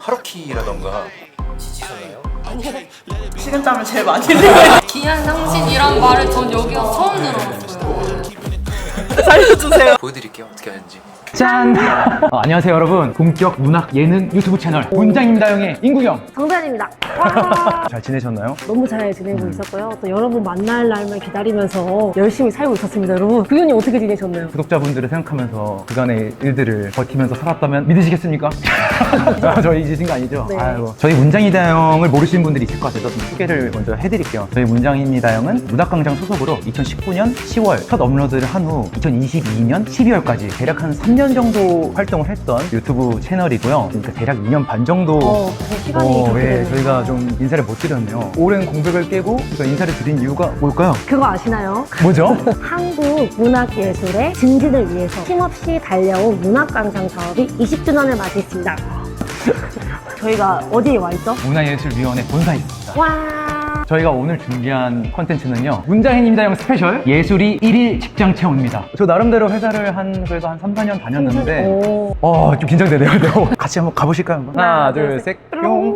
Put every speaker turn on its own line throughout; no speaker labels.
하루키라던가 지치셨나요?
식은땀을 제일 많이 흘려요.
기양상신이란 말을 전 여기서 처음 들어봤어요.
살려주세요.
보여드릴게요 어떻게 하는지.
짠! 안녕하세요 여러분. 본격 문학 예능 유튜브 채널 문장입니다형의 인구경.
정단입니다.
잘 지내셨나요?
너무 잘 지내고 있었고요. 또 여러분 만날 날만 기다리면서 열심히 살고 있었습니다. 여러분, 구현이 어떻게 지내셨나요?
구독자분들을 생각하면서 그간의 일들을 버티면서 살았다면 믿으시겠습니까? 저희 잊으신 거 아니죠?
네.
아이고. 저희 문장입니다형을 모르시는 분들이 있을 것 같아서 좀 소개를 먼저 해드릴게요. 저희 문장입니다형은 문학광장 소속으로 2019년 10월 첫 업로드를 한 후 2022년 12월까지 대략 한 3년 정도 활동을 했던 유튜브 채널이고요. 그러니까 대략 2년 반 정도
그 시간이 그렇게 되네요.
저희가 좀 인사를 못 드렸네요. 오랜 공백을 깨고 저희가 인사를 드린 이유가 뭘까요?
그거 아시나요?
뭐죠?
한국 문학예술의 증진을 위해서 힘없이 달려온 문학광장 사업이 20주년을 맞이했습니다. 저희가 어디에 와 있죠?
문화예술위원회 본사에 있습니다.
와.
저희가 오늘 준비한 컨텐츠는요, 문장입니다형 스페셜 예술이 1일 직장 체험입니다. 저 나름대로 회사를 그래도 한 3, 4년 다녔는데
오.
좀 긴장되네요. 네. 같이 한번 가보실까요? 한번? 하나, 둘, 셋, 뿅.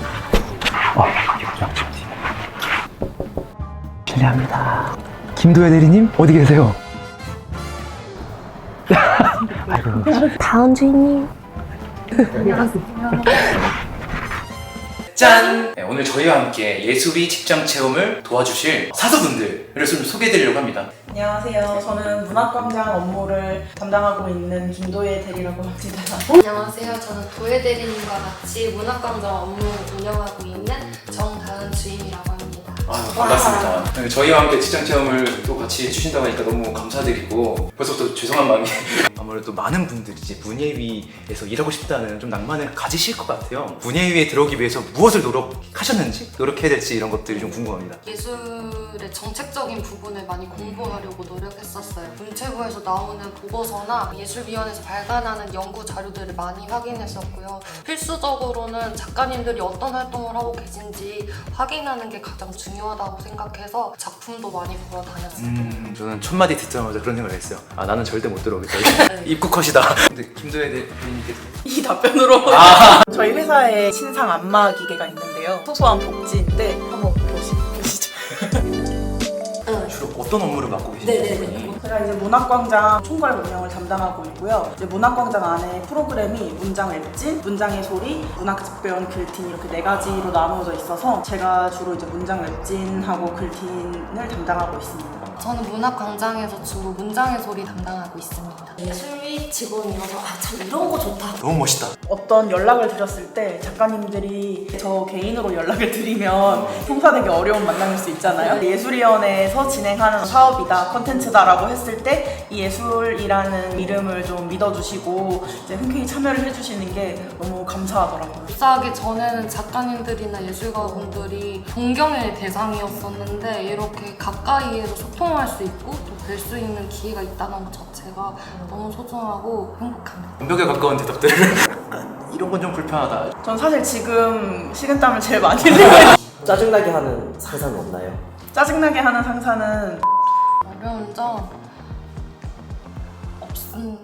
실례합니다. 김도혜 대리님 어디 계세요? 아이고.
다은 주인님.
짠! 네, 오늘 저희와 함께 예술이 직장 체험을 도와주실 사수분들을 좀 소개해드리려고 합니다.
안녕하세요. 저는 문학광장 업무를 담당하고 있는 김도혜 대리라고 합니다.
안녕하세요. 저는 도예 대리님과 같이 문학광장 업무 운영하고 있는 정다은 주임이라고 합니다.
반갑습니다. 네, 저희와 함께 직장 체험을 또 같이 해주신다고 하니까 너무 감사드리고 벌써부터 죄송한 마음이 아무래도 많은 분들이 이제 문예위에서 일하고 싶다는 좀 낭만을 가지실 것 같아요. 문예위에 들어오기 위해서 무엇을 노력하셨는지, 노력해야 될지 이런 것들이 좀 궁금합니다.
예술의 정책적인 부분을 많이 공부하려고 노력했었어요. 문체부에서 나오는 보고서나 예술위원회에서 발간하는 연구 자료들을 많이 확인했었고요. 필수적으로는 작가님들이 어떤 활동을 하고 계신지 확인하는 게 가장 중요하다고 생각해서 작품도 많이 보러 다녔어요.
저는 첫 마디 듣자마자 그런 생각을 했어요. 나는 절대 못 들어오겠다. 입국컷이다. 근데 김도혜 대리님께서
이 답변으로 저희 회사에 신상 안마 기계가 있는데요. 소소한 복지인데 한번 보시죠.
주로 어떤 업무를 맡고 계신지.
네네네.
제가 이제 문학광장 총괄 운영을 담당하고 있고요. 이제 문학광장 안에 프로그램이 문장 웹진, 문장의 소리, 문학집배원 글틴 이렇게 4가지로 나누어져 있어서 제가 주로 이제 문장 웹진하고 글틴을 담당하고 있습니다.
저는 문학광장에서 주로 문장의 소리 담당하고 있습니다. 예술위 직원이어서 참 이런 거 좋다.
너무 멋있다.
어떤 연락을 드렸을 때 작가님들이 저 개인으로 연락을 드리면 성사되기 어려운 만남일 수 있잖아요. 예술위원회에서 진행하는 사업이다, 컨텐츠다라고 했을 때 이 예술이라는 이름을 좀 믿어주시고 이제 흔쾌히 참여를 해주시는 게 너무 감사하더라고요.
입사하기 전에는 작가님들이나 예술가분들이 존경의 대상이었었는데 이렇게 가까이에서 소통할 수 있고 또 뵐 수 있는 기회가 있다는 것 자체가 너무 소중하고 행복합니다.
완벽에 가까운 대답들. 이런 건 좀 불편하다.
전 사실 지금 식은땀을 제일 많이 흘려요.
짜증나게 하는 상사는 없나요?
짜증나게 하는 상사는
어려운 점 없음.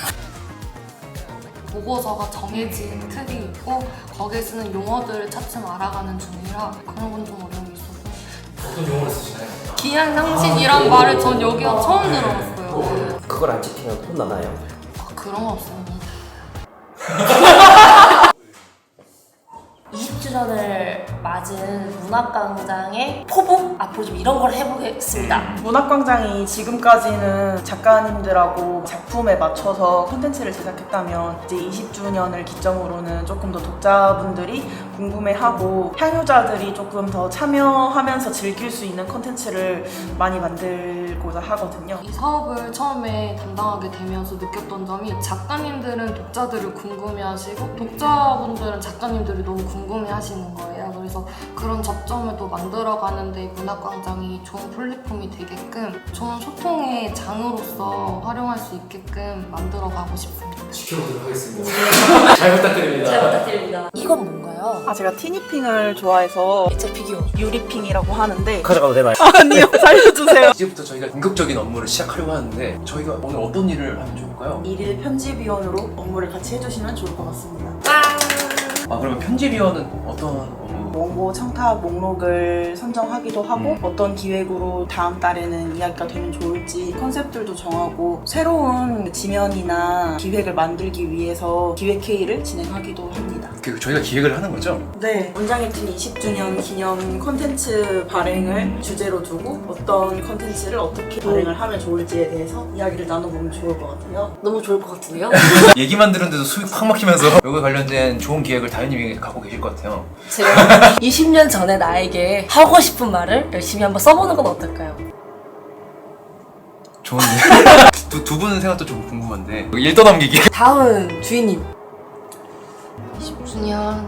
보고서가 정해진 틀이 있고 거기에 쓰는 용어들을 차츰 알아가는 중이라 그런 건 좀 어려움이 있어서.
어떤 용어를 쓰시나요?
기양상신이란 말을 전 여기서 처음 들어봤어요.
그걸 안 지키면 혼나나요?
그런 건 없습니다.
20주년을 맞은 문학광장의 포부? 앞으로 좀 이런 걸 해보겠습니다.
문학광장이 지금까지는 작가님들하고 작품에 맞춰서 콘텐츠를 제작했다면 이제 20주년을 기점으로는 조금 더 독자분들이 궁금해하고 향유자들이 조금 더 참여하면서 즐길 수 있는 콘텐츠를 많이 만들고자 하거든요.
이 사업을 처음에 담당하게 되면서 느꼈던 점이 작가님들은 독자들을 궁금해하시고 독자분들은 작가님들이 너무 궁금해하시는 거예요. 그래서 그런 접점을 또 만들어가는데 문학광장이 좋은 플랫폼이 되게끔 좋은 소통의 장으로서 활용할 수 있게끔 만들어가고 싶습니다.
지켜보도록 하겠습니다. 잘 부탁드립니다.
잘 부탁드립니다. 이건 뭔가요?
제가 티니핑을 좋아해서
제 피규어.
유리핑이라고 하는데
가져가도 되나요?
아니요, 살려주세요.
이제부터 저희가 본격적인 업무를 시작하려고 하는데 저희가 오늘 어떤 일을 하면 좋을까요?
일일 편집위원으로 업무를 같이 해주시면 좋을 것 같습니다.
짠!
아 그러면 편집위원은 어떤 업무?
원고 청탁 목록을 선정하기도 하고 어떤 기획으로 다음 달에는 이야기가 되면 좋을지 컨셉들도 정하고 새로운 지면이나 기획을 만들기 위해서 기획회의를 진행하기도 합니다.
저희가 기획을 하는 거죠?
네, 문장일팀 20주년 기념 콘텐츠 발행을 주제로 두고 어떤 콘텐츠를 어떻게 발행을 하면 좋을지에 대해서 이야기를 나눠보면 좋을 것 같아요.
너무 좋을 것 같은데요?
얘기만 들었는데도 숨이 팍 막히면서 여기 관련된 좋은 기획을 다현님이 갖고 계실 것 같아요.
제가 20년 전에 나에게 하고 싶은 말을 열심히 한번 써보는 건 어떨까요?
좋은데? 두 분은 생각도 좀 궁금한데 일 떠넘기기.
다음 주인님.
10주년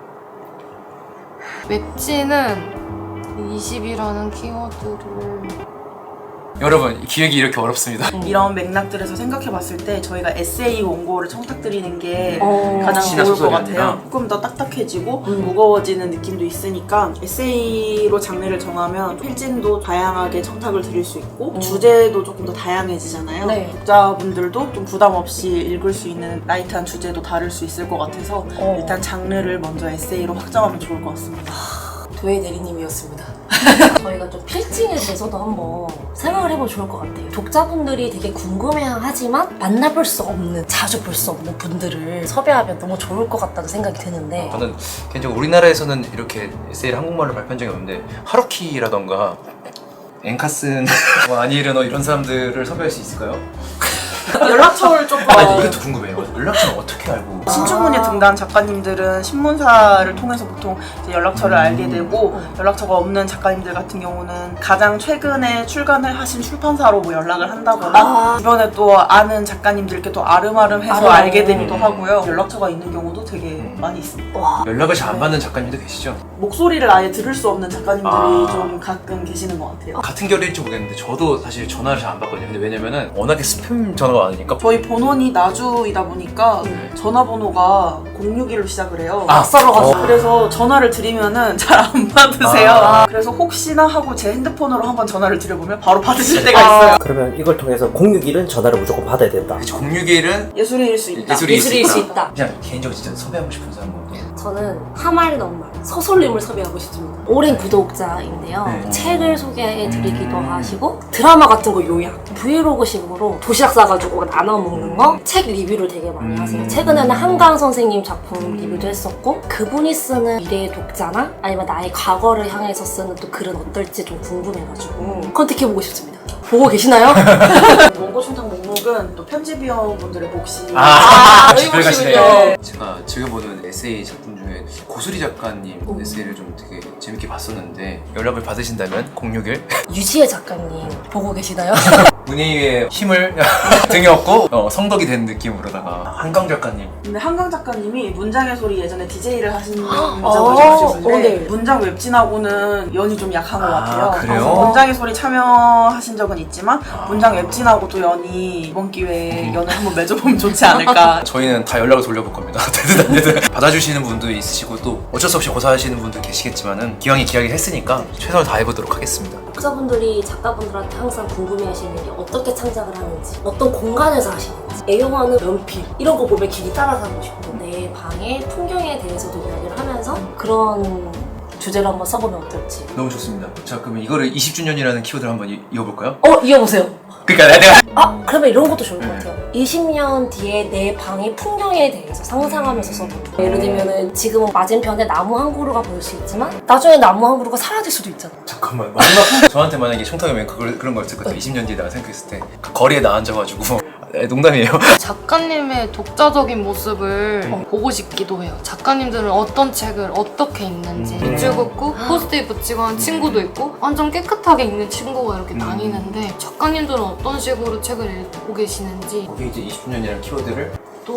웹진은 20이라는 키워드를
여러분 기획이 이렇게 어렵습니다.
이런 맥락들에서 생각해봤을 때 저희가 에세이 원고를 청탁드리는 게
어.
가장
시나
좋을 것
소설이
같아요.
아니라.
조금 더 딱딱해지고 무거워지는 느낌도 있으니까 에세이로 장르를 정하면 필진도 다양하게 청탁을 드릴 수 있고 주제도 조금 더 다양해지잖아요.
네.
독자분들도 좀 부담 없이 읽을 수 있는 라이트한 주제도 다룰 수 있을 것 같아서 일단 장르를 먼저 에세이로 확정하면 좋을 것 같습니다.
도예 대리님이었습니다. 저희가 좀 필징에 대해서도 한번 생각을 해보면 좋을 것 같아요. 독자분들이 되게 궁금해하지만 만나볼 수 없는, 자주 볼 수 없는 분들을 섭외하면 너무 좋을 것 같다는 생각이 드는데
저는 개인적으로 우리나라에서는 이렇게 에세이를 한국말로 발표한 적이 없는데 하루키라던가 엔카슨 뭐 아니르노 이런 사람들을 섭외할 수 있을까요?
연락처를 조금
아니 이것도 궁금해요. 연락처는 어떻게 알고?
신춘문예 등단 작가님들은 신문사를 통해서 보통 이제 연락처를 알게 되고 연락처가 없는 작가님들 같은 경우는 가장 최근에 출간을 하신 출판사로 뭐 연락을 한다거나 주변에 또 아는 작가님들께 또 아름아름해서 알게 되기도 하고요. 연락처가 있는 경우도 되게 많이 있습니다.
연락을 잘 안 받는 작가님도 계시죠?
목소리를 아예 들을 수 없는 작가님들이 좀 가끔 계시는 것 같아요.
같은 결일지 모르겠는데 저도 사실 전화를 잘 안 받거든요. 근데 왜냐면은 워낙에 스팸 전화가 많으니까.
저희 본원이 나주이다 보니까 전화번호가 061로 시작을 해요.
썰어가지고.
그래서 전화를 드리면은 잘 안 받으세요. 그래서 혹시나 하고 제 핸드폰으로 한번 전화를 드려보면 바로 받으실 때가 있어요.
그러면 이걸 통해서 061은 전화를 무조건 받아야 된다.
061은
예술인일 수 있다.
예술일 수 있다.
그냥 개인적으로 진짜 섭외하고 싶은 사람은
저는 하말 넉말 서솔님을 섭외하고 싶습니다. 오랜 구독자인데요.
네.
책을 소개해드리기도 하시고 드라마 같은 거 요약, 브이로그식으로 도시락 싸가지고 나눠 먹는 거, 책 리뷰를 되게 많이 하세요. 최근에는 한강 선생님 작품 리뷰도 했었고 그분이 쓰는 미래의 독자나 아니면 나의 과거를 향해서 쓰는 또 글은 어떨지 좀 궁금해가지고 컨택해보고 싶습니다. 보고 계시나요?
원고 청탁 목록은 또 편집위원분들의 몫이
집을 가시네요.
네.
제가 즐겨보는 에세이 작품 중에 고수리 작가님 에세이를 좀 되게 재밌게 봤었는데 연락을 받으신다면 061
유지혜 작가님 보고 계시나요?
문희의 힘을 등에 업고 성덕이 된 느낌으로다가 한강 작가님
근데 한강 작가님이 문장의 소리 예전에 DJ를 하신 분이라고 하셨는데
네.
문장 웹진하고는 연이 좀 약한 것 같아요.
그래요?
문장의 소리 참여하신 적은 있지만 문장 웹진하고도 연이 이번 기회에 연을 한번 맺어보면 좋지 않을까.
저희는 다 연락을 돌려볼 겁니다. 되든 안 되든 받아주시는 분도 있으시고 또 어쩔 수 없이 고사하시는 분도 계시겠지만은 기왕에 기약을 했으니까 최선을 다해보도록 하겠습니다.
독자분들이 작가분들한테 항상 궁금해하시는 게 어떻게 창작을 하는지, 어떤 공간에서 하시는지, 애용하는 연필 이런 거 보면 길이 따라서 하고 싶고 내 방의 풍경에 대해서도 이야기를 하면서 그런 주제로 한번 써보면 어떨지.
너무 좋습니다. 자 그러면 이거를 20주년이라는 키워드를 한번 이어볼까요?
이어보세요.
그러니까 내가
그러면 이런 것도 좋을 것 같아요. 20년 뒤에 내 방의 풍경에 대해서 상상하면서 써보는 거. 예를 들면은 지금은 맞은편에 나무 한 그루가 보일 수 있지만 나중에 나무 한 그루가 사라질 수도 있잖아.
잠깐만 마지막 저한테 만약에 청탁이면 그런 거 있을 것 같아요. 20년 뒤에 내가 생각했을 때 그 거리에 나 앉아가지고 농담이에요.
작가님의 독자적인 모습을 보고 싶기도 해요. 작가님들은 어떤 책을 어떻게 읽는지 밑줄 긋고 포스트잇 붙이고 하는 친구도 있고 완전 깨끗하게 읽는 친구가 이렇게 다니는데 작가님들은 어떤 식으로 책을 읽고 계시는지
거기 이제 20주년이라는 키워드를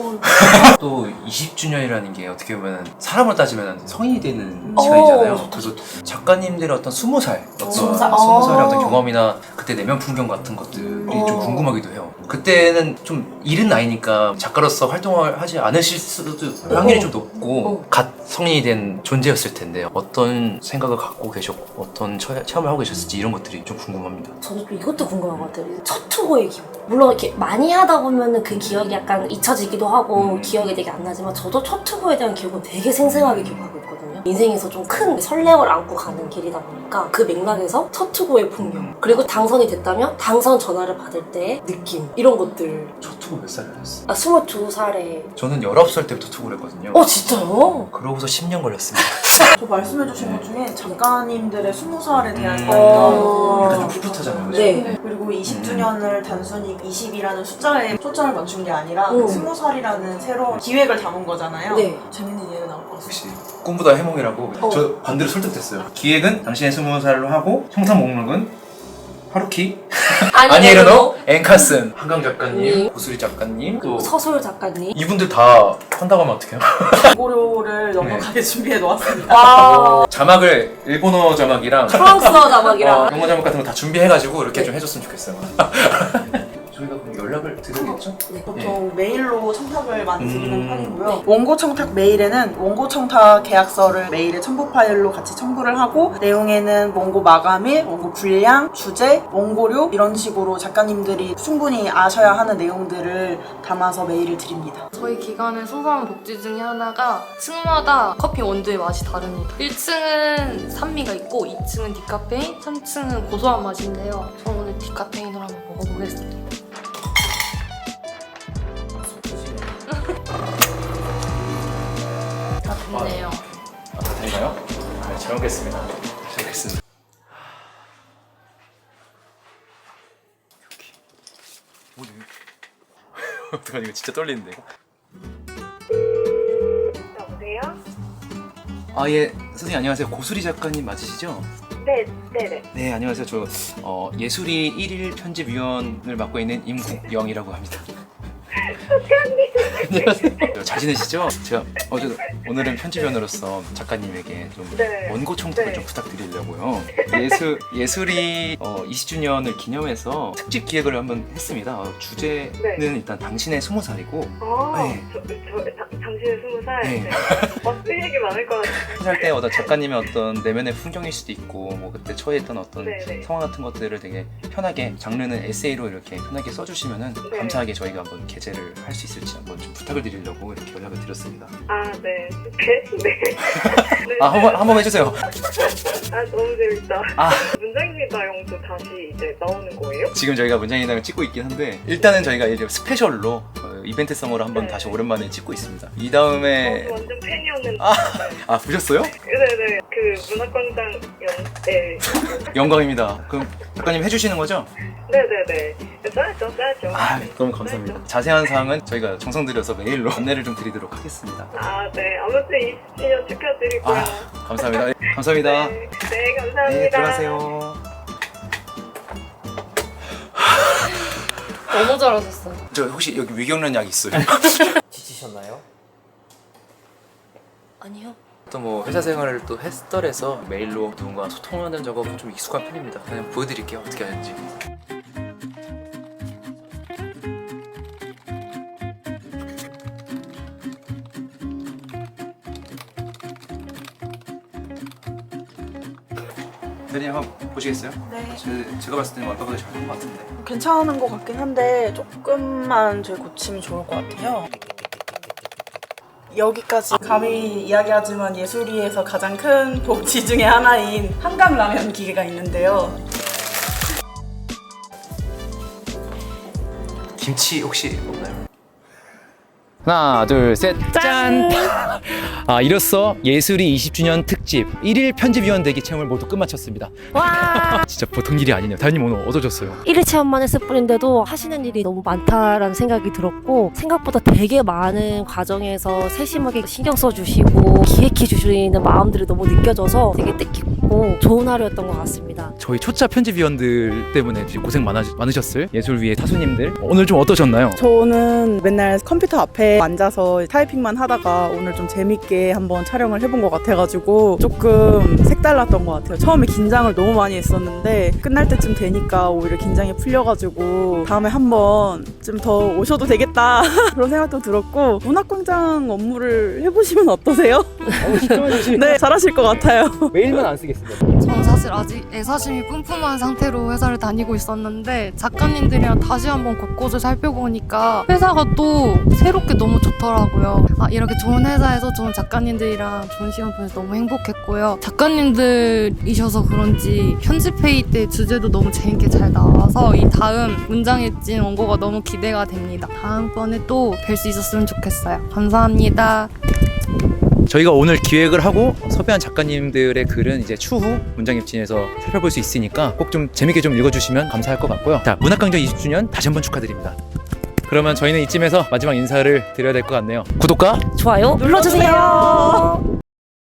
또 20주년이라는 게 어떻게 보면 사람으로 따지면 성인이 되는 시간이잖아요. 그래서 작가님들의 어떤 20살 어떤 20살의 어떤 경험이나 그때 내면 풍경 같은 것들이 좀 궁금하기도 해요. 그때는 좀 이른 나이니까 작가로서 활동을 하지 않으실 수도 확률이 좀 높고 갓 성인이 된 존재였을 텐데 어떤 생각을 갖고 계셨고 어떤 체험을 하고 계셨을지 이런 것들이 좀 궁금합니다.
저는 또 이것도 궁금한 것 같아요. 첫 투고의 기억. 물론 이렇게 많이 하다 보면은 그 기억이 약간 잊혀지기도 하고 기억이 되게 안 나지만 저도 첫 투고에 대한 기억은 되게 생생하게 기억하고 있거든요. 인생에서 좀 큰 설렘을 안고 가는 길이다 보니까 그 맥락에서 첫 투고의 풍경 그리고 당선이 됐다면 당선 전화를 받을 때의 느낌 이런 것들.
첫 투고 몇 살에 하셨어요?
아 22살에
저는 19살 때부터 투고를 했거든요.
진짜요?
그러고서 10년 걸렸습니다.
또 말씀해주신 것 중에 작가님들의 20살에 대한
약간 좀 풋풋하잖아요. 그죠?
네.
그리고 20주년을 단순히 20이라는 숫자에 초점을 맞춘 게 아니라 20살이라는 새로운 기획을 담은 거잖아요.
네.
재밌는 예가 나올 것 같아요.
역시 꿈보다 해몽이라고 저 반대로 설득됐어요. 기획은 당신의 20살로 하고 형상 목록은 하루키, 아니에르노, 앵카슨, 한강 작가님, 고수리 작가님, 또
서술 작가님.
이분들 다 한다고 하면 어떡해요?
고려를 넉넉하게 준비해 놓았습니다.
와
자막을 일본어 자막이랑
프랑스어 자막이랑
영어 자막 같은 거 다 준비해가지고 이렇게 좀 해줬으면 좋겠어요. 저희가 그럼 연락을 드리겠죠?
보통 메일로 청탁을 많이 드리는 편이고요. 원고 청탁 메일에는 원고 청탁 계약서를 메일에 첨부 파일로 같이 첨부를 하고 내용에는 원고 마감일, 원고 분량, 주제, 원고료 이런 식으로 작가님들이 충분히 아셔야 하는 내용들을 담아서 메일을 드립니다.
저희 기관의 소소한 복지 중에 하나가 층마다 커피 원두의 맛이 다릅니다. 1층은 산미가 있고 2층은 디카페인, 3층은 고소한 맛인데요. 저 오늘 디카페인으로 한번 먹어보겠습니다. 다 됐네요.
다 되나요? 네, 잘 먹겠습니다. 잘 먹겠습니다. 어떡하니 이거 진짜 떨리는데.
여보세요?
아 예, 선생님 안녕하세요. 고수리 작가님 맞으시죠?
네네.
네 안녕하세요. 저 예술이 1일 편집위원을 맡고 있는 임국영이라고 합니다. 안녕하세요. 잘 지내시죠? 제가 오늘은 편집위원으로서 작가님에게 좀
네.
원고 청탁을
네.
좀 부탁드리려고요. 예술이 20주년을 기념해서 특집 기획을 한번 했습니다. 주제는
네.
일단 당신의 20살이고
아,
네.
당신의 20살?
네.
네. 쓸 얘기 많을 것 같아요.
할 때 작가님의 어떤 내면의 풍경일 수도 있고 뭐 그때 처해있던 어떤
네네.
상황 같은 것들을 되게 편하게 장르는 에세이로 이렇게 편하게 써주시면은
네.
감사하게 저희가 한번 게재를 할 수 있을지 한번 좀 부탁을 드리려고 이렇게 연락을 드렸습니다.
아, 네. 네.
아 한번 해주세요.
아, 너무 재밌다.
아.
문장입니다 영도 다시 이제 나오는 거예요?
지금 저희가 문장인당을 찍고 있긴 한데 일단은 저희가 이제 스페셜로 이벤트성으로 한번
네.
다시 오랜만에 찍고 있습니다. 이 다음에
완전 팬이었는데.
아 보셨어요?
네네. 그 문학광장 네.
영광입니다. 그럼 작가님 해주시는 거죠?
네네네. 써야죠.
아 너무 감사합니다. 자세한 사항은 저희가 정성 들여서 메일로 안내를 좀 드리도록 하겠습니다.
아, 네. 아무튼 20주년 축하드리고요.
아 감사합니다. 네, 감사합니다.
네, 감사합니다.
네 들어가세요.
너무 잘하셨어요.
저 혹시 여기 위경련 약 있어요?
지치셨나요?
아니요.
또 뭐 회사 생활을 또 했더래서 메일로 누군가 소통하는 작업은 좀 익숙한 편입니다. 그냥 보여드릴게요 어떻게 하는지. 대리님 한번 보시겠어요?
네.
제가 봤을 때는 완벽하게 잘 된 것 같은데.
괜찮은 것 같긴 한데 조금만 저희 고치면 좋을 것 같아요. 여기까지 감히 이야기하지만 예술이에서 가장 큰 복지 중에 하나인 한강라면 기계가 있는데요.
김치 혹시 없나요?
하나, 둘, 셋, 짠! 아, 이로써 예술이 20주년 특집 1일 편집위원 되기 체험을 모두 끝마쳤습니다.
와!
진짜 보통 일이 아니네요. 다현님 오늘 어떠셨어요?
1일 체험만 했을 뿐인데도 하시는 일이 너무 많다라는 생각이 들었고 생각보다 되게 많은 과정에서 세심하게 신경 써주시고 기획해 주시는 마음들이 너무 느껴져서 되게 뜻깊고
재밌고 좋은 하루였던 것 같습니다.
저희 초짜 편집위원들 때문에 지금 고생 많으셨을 예술위의 타수님들 오늘 좀 어떠셨나요?
저는 맨날 컴퓨터 앞에 앉아서 타이핑만 하다가 오늘 좀 재밌게 한번 촬영을 해본 것 같아가지고 조금 색달랐던 것 같아요. 처음에 긴장을 너무 많이 했었는데 끝날 때쯤 되니까 오히려 긴장이 풀려가지고 다음에 한번 좀 더 오셔도 되겠다 그런 생각도 들었고 문학광장 업무를 해보시면 어떠세요? 네, 잘하실 것 같아요.
메일만 안 쓰겠습니다.
저는 사실 아직 애사심이 뿜뿜한 상태로 회사를 다니고 있었는데 작가님들이랑 다시 한번 곳곳을 살펴보니까 회사가 또 새롭게 너무 좋더라고요. 이렇게 좋은 회사에서 좋은 작가님들이랑 좋은 시간 보내서 너무 행복했고요. 작가님들이셔서 그런지 편집회의 때 주제도 너무 재밌게 잘 나와서 이 다음 문장의 찐 원고가 너무 기대가 됩니다. 다음번에 또 뵐 수 있었으면 좋겠어요. 감사합니다.
저희가 오늘 기획을 하고 섭외한 작가님들의 글은 이제 추후 문장입진에서 살펴볼 수 있으니까 꼭 좀 재밌게 좀 읽어주시면 감사할 것 같고요. 자, 문학광장 20주년 다시 한번 축하드립니다. 그러면 저희는 이쯤에서 마지막 인사를 드려야 될 것 같네요. 구독과
좋아요 눌러주세요.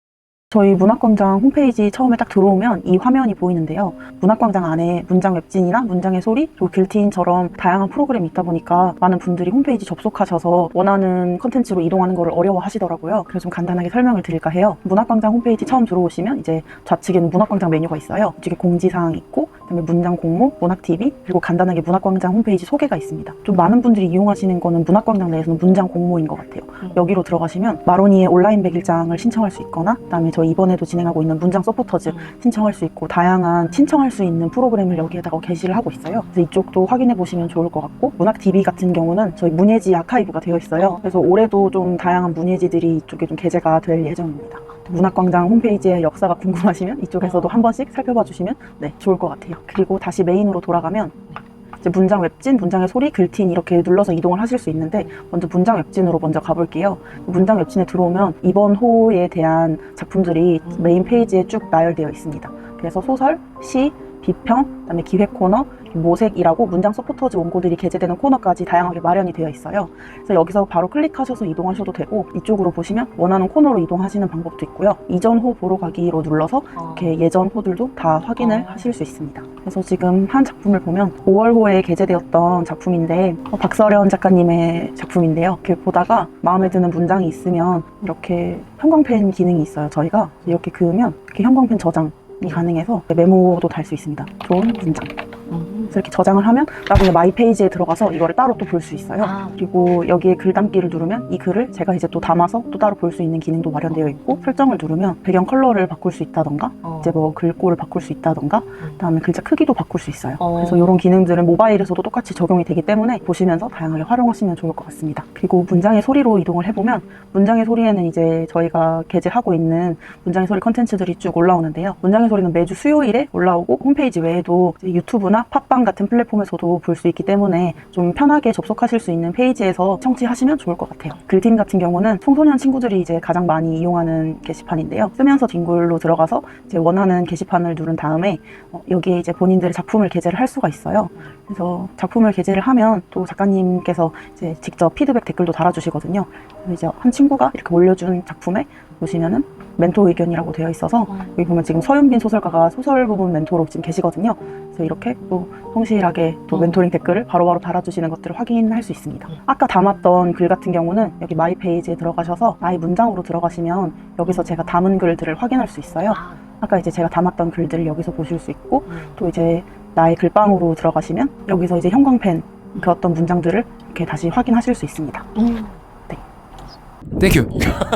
저희 문학광장 홈페이지 처음에 딱 들어오면 이 화면이 보이는데요. 문학광장 안에 문장 웹진이나 문장의 소리, 그리고 길티인처럼 다양한 프로그램이 있다 보니까 많은 분들이 홈페이지 접속하셔서 원하는 컨텐츠로 이동하는 걸 어려워 하시더라고요. 그래서 좀 간단하게 설명을 드릴까 해요. 문학광장 홈페이지 처음 들어오시면 이제 좌측에는 문학광장 메뉴가 있어요. 이쪽에 공지사항이 있고 그다음에 문장 공모, 문학TV, 그리고 간단하게 문학광장 홈페이지 소개가 있습니다. 좀 많은 분들이 이용하시는 거는 문학광장 내에서는 문장 공모인 것 같아요. 여기로 들어가시면 마로니의 온라인 100일장을 신청할 수 있거나 그다음에 저희 이번에도 진행하고 있는 문장 서포터즈 신청할 수 있고 다양한 신청할 수 있는 프로그램을 여기에다가 게시를 하고 있어요. 그래서 이쪽도 확인해 보시면 좋을 것 같고 문학TV 같은 경우는 저희 문예지 아카이브가 되어 있어요. 그래서 올해도 좀 다양한 문예지들이 이쪽에 좀 게재가 될 예정입니다. 문학광장 홈페이지의 역사가 궁금하시면 이쪽에서도 한 번씩 살펴봐 주시면 네, 좋을 것 같아요. 그리고 다시 메인으로 돌아가면 이제 문장 웹진, 문장의 소리, 글틴 이렇게 눌러서 이동을 하실 수 있는데 먼저 문장 웹진으로 먼저 가볼게요. 문장 웹진에 들어오면 이번 호에 대한 작품들이 메인 페이지에 쭉 나열되어 있습니다. 그래서 소설, 시, 비평, 그다음에 기획 코너, 모색이라고 문장 서포터즈 원고들이 게재되는 코너까지 다양하게 마련이 되어 있어요. 그래서 여기서 바로 클릭하셔서 이동하셔도 되고 이쪽으로 보시면 원하는 코너로 이동하시는 방법도 있고요. 이전 호 보러 가기로 눌러서 이렇게 예전 호들도 다 확인을 하실 수 있습니다. 그래서 지금 한 작품을 보면 5월호에 게재되었던 작품인데 박서련 작가님의 작품인데요. 이렇게 보다가 마음에 드는 문장이 있으면 이렇게 형광펜 기능이 있어요. 저희가 이렇게 그으면 이렇게 형광펜 저장이 가능해서 메모도 달 수 있습니다. 좋은 문장. 그래서 이렇게 저장을 하면 나중에 마이 페이지에 들어가서 이거를 따로 또 볼 수 있어요. 그리고 여기에 글 담기를 누르면 이 글을 제가 이제 또 담아서 또 따로 볼 수 있는 기능도 마련되어 있고 설정을 누르면 배경 컬러를 바꿀 수 있다던가 이제 뭐 글꼴을 바꿀 수 있다던가 그다음에 글자 크기도 바꿀 수 있어요. 그래서 이런 기능들은 모바일에서도 똑같이 적용이 되기 때문에 보시면서 다양하게 활용하시면 좋을 것 같습니다. 그리고 문장의 소리로 이동을 해보면 문장의 소리에는 이제 저희가 게재하고 있는 문장의 소리 컨텐츠들이 쭉 올라오는데요. 문장의 소리는 매주 수요일에 올라오고 홈페이지 외에도 이제 유튜브나 팟빵 같은 플랫폼에서도 볼 수 있기 때문에 좀 편하게 접속하실 수 있는 페이지에서 청취하시면 좋을 것 같아요. 글틴 같은 경우는 청소년 친구들이 이제 가장 많이 이용하는 게시판인데요. 쓰면서 뒹굴로 들어가서 이제 원하는 게시판을 누른 다음에 여기에 이제 본인들의 작품을 게재를 할 수가 있어요. 그래서 작품을 게재를 하면 또 작가님께서 이제 직접 피드백 댓글도 달아주시거든요. 그래서 이제 한 친구가 이렇게 올려준 작품에 보시면은 멘토 의견이라고 되어 있어서 여기 보면 지금 서윤빈 소설가가 소설 부분 멘토로 지금 계시거든요. 그래서 이렇게 또 성실하게 또 멘토링 댓글을 바로바로 달아주시는 것들을 확인할 수 있습니다. 아까 담았던 글 같은 경우는 여기 마이 페이지에 들어가셔서 나의 문장으로 들어가시면 여기서 제가 담은 글들을 확인할 수 있어요. 아까 이제 제가 담았던 글들을 여기서 보실 수 있고 또 이제 나의 글방으로 들어가시면 여기서 이제 형광펜 그 어떤 문장들을 이렇게 다시 확인하실 수 있습니다.
땡큐.